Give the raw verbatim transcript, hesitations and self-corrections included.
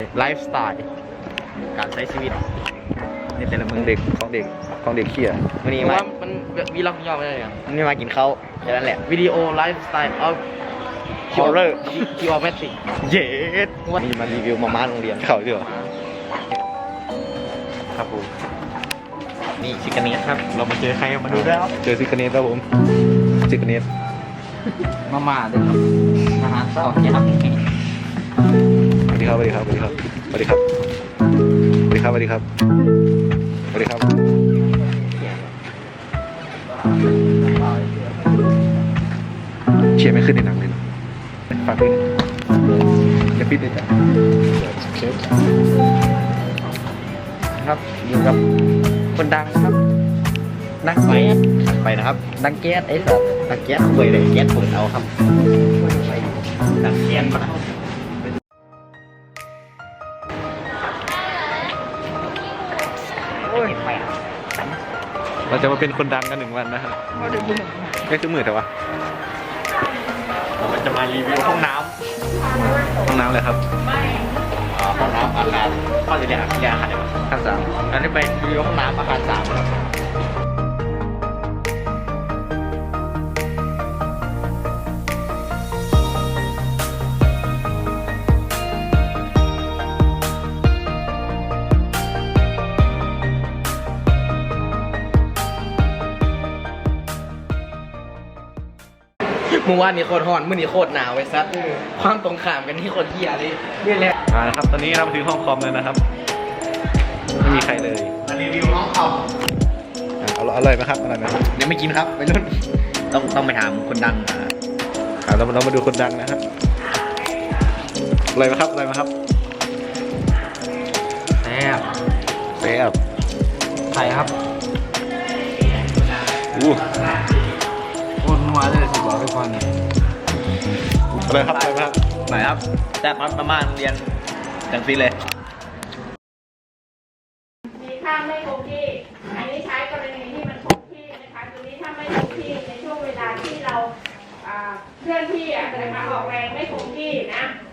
ไลฟ์สไตล์การใช้ชีวิตในแต่ละขมืองอเด็กของเด็กของเด็กเขี้ยวันนี้มามันวีล็อกย่อไม่ได้ยังมันนี่มากินข้าวแค่นั้นแหละวิดีโอไลฟ์สไตล์ออฟฮอร์เรอร์คิวออเมติกเย็ดนี่มารีวิวมาม่าโรงเรียนเขาด้วยเหรอครับผมนี่ชิคกันเนสครับเรามาเจอใครมาดูแล้วเจอซิกเนสครับผมซิกเนสมาม่าด้วยครับอาหารเช้ายับสวัสดีครับสวัสดีครับสวัสดีครับสวัสดีครับสวัสดีครับสวัสดีครับสวัสดีครับเชียร์ไม่ขึ้นในหนังเลยฝากด้วยอย่าปิดเลยจ้ะครับอยู่กับคนดังครับนักไฟไปนะครับดังแก๊สไอ้สัตว์ดังแก๊สคุยเลยแก๊สเปิดเอาครับดังแก๊สมาโอ้ยไปอ่ะเราจะมาเป็นคนดังกันหนึ่งวันนะครับไม่คือมือแต่ว่าเราจะมารีวิวห้องน้ห้องน้ำเลยครับำอ๋อห้องน้ำอาคารเข้าจะเรียกเรียกอาคารได้ไหมขั้นสามอันนี้ไปรีวิวห้องน้ำอาคารสามครับเมื่อวานนี้โคตรร้อนมื้อนี้โคตรหนาวไอ้ซัดความตรงข้ามกันที่คนเหี้ยเลยนี่แหละอ่านะครับตอนนี้เรามาถึงห้องคอมแล้วนะครับไม่มีใครเลยมารีวิวห้องคอมอ่าอร่อยอร่อยไหมครับอร่อยไหมครับยังไม่กินครับไปรุ่นต้องต้องไปถามคนดังอ่ะอ่าเราเรามาดูคนดังนะครับอร่อยไหมครับอร่อยไหมครับแซ่บแซ่บไข่ครับอู้โคตรนัวเลยสิบอกทุกคนอร่อยครับอร่อยไหมครับไหนครับแซ่บครับประมาณเรียนจังซีเลยมีค่าไม่คงที่ อันนี้ใช้กรณีที่มันคงที่นะคะตัวนี้ถ้าไม่คงที่ในช่วงเวลาที่เราอ่าเคลื่อนที่อะนะคะออกแรงไม่คงที่นะ